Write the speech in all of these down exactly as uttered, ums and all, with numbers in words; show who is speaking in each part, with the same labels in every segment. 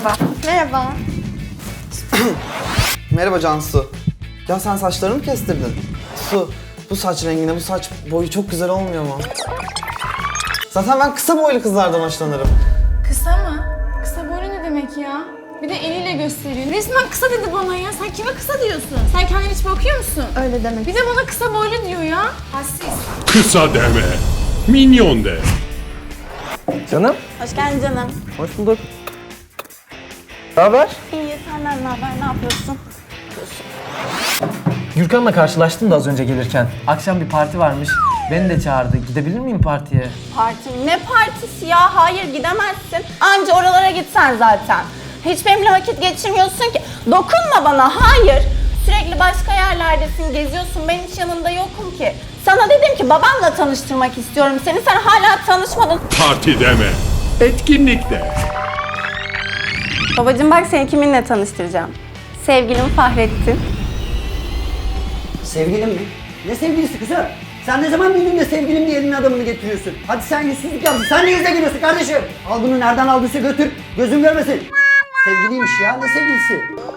Speaker 1: Merhaba.
Speaker 2: Merhaba.
Speaker 3: Merhaba Cansu. Ya sen saçlarını mı kestirdin? Su, bu saç rengine, bu saç boyu çok güzel olmuyor mu? Zaten ben kısa boylu kızlardan hoşlanırım.
Speaker 1: Kısa mı? Kısa boylu ne demek ya? Bir de eliyle gösteriyor. Resmen kısa dedi bana ya. Sen kime kısa diyorsun? Sen kendine hiç bakıyor musun?
Speaker 2: Öyle demek.
Speaker 1: Bir de bana kısa boylu diyor ya. Hassiz.
Speaker 4: Kısa deme, minyon de.
Speaker 5: Canım,
Speaker 2: Hoş geldin canım.
Speaker 5: hoş bulduk. Ne haber?
Speaker 2: İyi, senden ne haber? Ne yapıyorsun?
Speaker 5: Gürkan'la karşılaştım da az önce gelirken. Akşam bir parti varmış. Beni de çağırdı. Gidebilir miyim partiye?
Speaker 2: Parti mi? Ne partisi ya? Hayır, gidemezsin. Anca oralara gitsen zaten. Hiç benimle vakit geçirmiyorsun ki. Dokunma bana, hayır. Sürekli başka yerlerdesin, geziyorsun. Ben hiç yanında yokum ki. Sana dedim ki babamla tanıştırmak istiyorum seni. Sen hala tanışmadın.
Speaker 4: Parti deme, etkinlik de.
Speaker 2: Babacığım bak seni kiminle tanıştıracağım. Sevgilim Fahrettin.
Speaker 6: Sevgilim mi? Ne sevgilisi kızım? Sen ne zaman bildin de sevgilim diye elinin adamını getiriyorsun? Hadi sen yüzsüzlük yapsın. Sen ne yüzle geliyorsun kardeşim? Al bunu nereden aldıysa götür. Gözüm görmesin. Sevgiliymiş ya. Ne sevgilisi?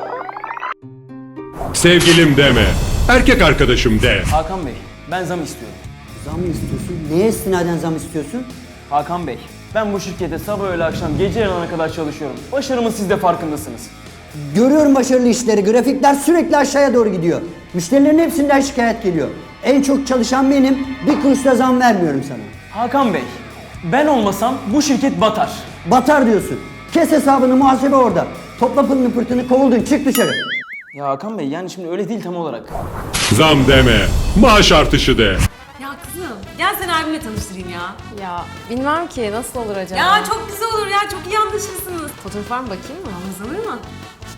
Speaker 4: Sevgilim deme, erkek arkadaşım de.
Speaker 7: Hakan Bey, ben zam istiyorum.
Speaker 6: Zam mı istiyorsun? Neye istinaden zam istiyorsun?
Speaker 7: Hakan Bey, ben bu şirkete sabah öğle akşam gece yarına kadar çalışıyorum. Başarımın siz de farkındasınız.
Speaker 6: Görüyorum başarılı işleri. Grafikler sürekli aşağıya doğru gidiyor. Müşterilerin hepsinden şikayet geliyor. En çok çalışan benim. Bir kuruş da zam vermiyorum sana.
Speaker 7: Hakan Bey, ben olmasam bu şirket batar.
Speaker 6: Batar diyorsun. Kes hesabını, muhasebe orada. Topla pılını pırtını, kovuldun. Çık dışarı.
Speaker 7: Ya Hakan Bey, yani şimdi öyle değil tam olarak.
Speaker 4: Zam deme, maaş artışı de.
Speaker 8: Ya kızım, gel seni abimle tanıştırayım ya.
Speaker 9: Ya bilmem ki nasıl olur acaba?
Speaker 8: Ya çok güzel olur ya, çok iyi anlaşırsınız.
Speaker 9: Fotoğraf var mı, bakayım mı?
Speaker 8: Anlaşılır mı?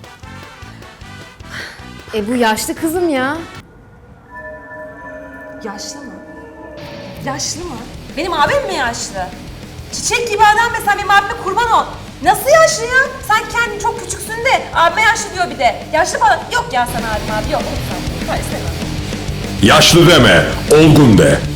Speaker 9: E bu yaşlı kızım ya.
Speaker 8: Yaşlı mı? Yaşlı mı? Benim abim mi yaşlı? Çiçek gibi adam be, sen benim abime kurban ol. Nasıl yaşlı ya? Sen kendin çok küçüksün de abime yaşlı diyor bir de. Yaşlı falan. Yok ya sana abim abi, yok. Lütfen. Lütfen istemem.
Speaker 4: Yaşlı deme, olgun de.